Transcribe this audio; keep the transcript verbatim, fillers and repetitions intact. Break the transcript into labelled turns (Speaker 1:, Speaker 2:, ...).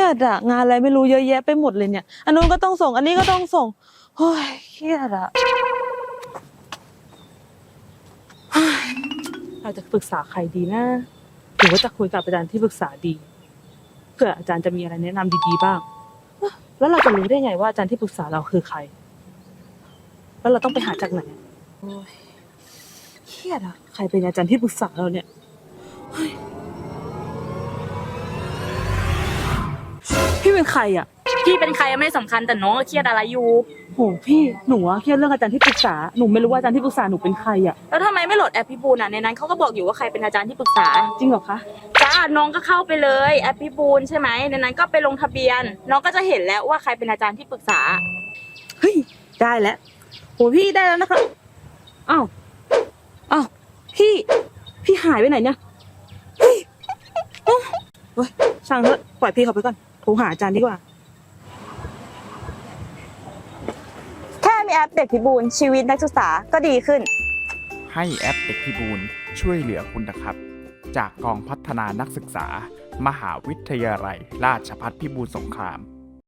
Speaker 1: ยดอะงานอะไรไม่รู้เยอะแยะไปหมดเลยเนี่ยอันนู้นก็ต้องส่งอันนี้ก็ต้องส่งโอ้ยเครียดอะเราจะปรึกษาใครดีนะหรือว่าจะคุยกับอาจารย์ที่ปรึกษาดีเผื่ออาจารย์จะมีอะไรแนะนำดีๆบ้างแล้วเราจะรู้ได้ไงว่าอาจารย์ที่ปรึกษาเราคือใครแล้วเราต้องไปหาจากไหนโอ้ยเครียดอะใครเป็นอาจารย์ที่ปรึกษาเราเนี่ยพี่เป็นใครอะ
Speaker 2: พี่เป็นใครไม่สำคัญแต่น้องเครียดอะไรอยู่
Speaker 1: โหพี่หนูอะเครียดเรื่องอาจารย์ที่ปรึกษาหนูไม่รู้ว่าอาจารย์ที่ปรึกษาหนูเป็นใครอะ
Speaker 2: แล้วทำไมไม่โหลดแอปพี่บูนอ่ะในนั้นเขาก็บอกอยู่ว่าใครเป็นอาจารย์ที่ปรึกษา
Speaker 1: จริงเหรอคะ
Speaker 2: จ้าน้องก็เข้าไปเลยแอปพี่บูนใช่ไหมในนั้นก็ไปลงทะเบียนน้องก็จะเห็นแล้วว่าใครเป็นอาจารย์ที่ปรึกษา
Speaker 1: เฮ้ยได้แล้วโหพี่ได้แล้วนะคะอ้าวอ้าวพี่พี่หายไปไหนเนี่ยเฮ้ยเฮ้ยช่างเถอะปล่อยพี่เขาไปก่อนโทรหาอาจารย์ดีกว่า
Speaker 2: แค่มีแอปเด็กพิบูลชีวิตนักศึกษาก็ดีขึ้น
Speaker 3: ให้แอปเด็กพิบูลช่วยเหลือคุณนะครับจากกองพัฒนานักศึกษา มหาวิทยาลัยราชภัฏพิบูลสงคราม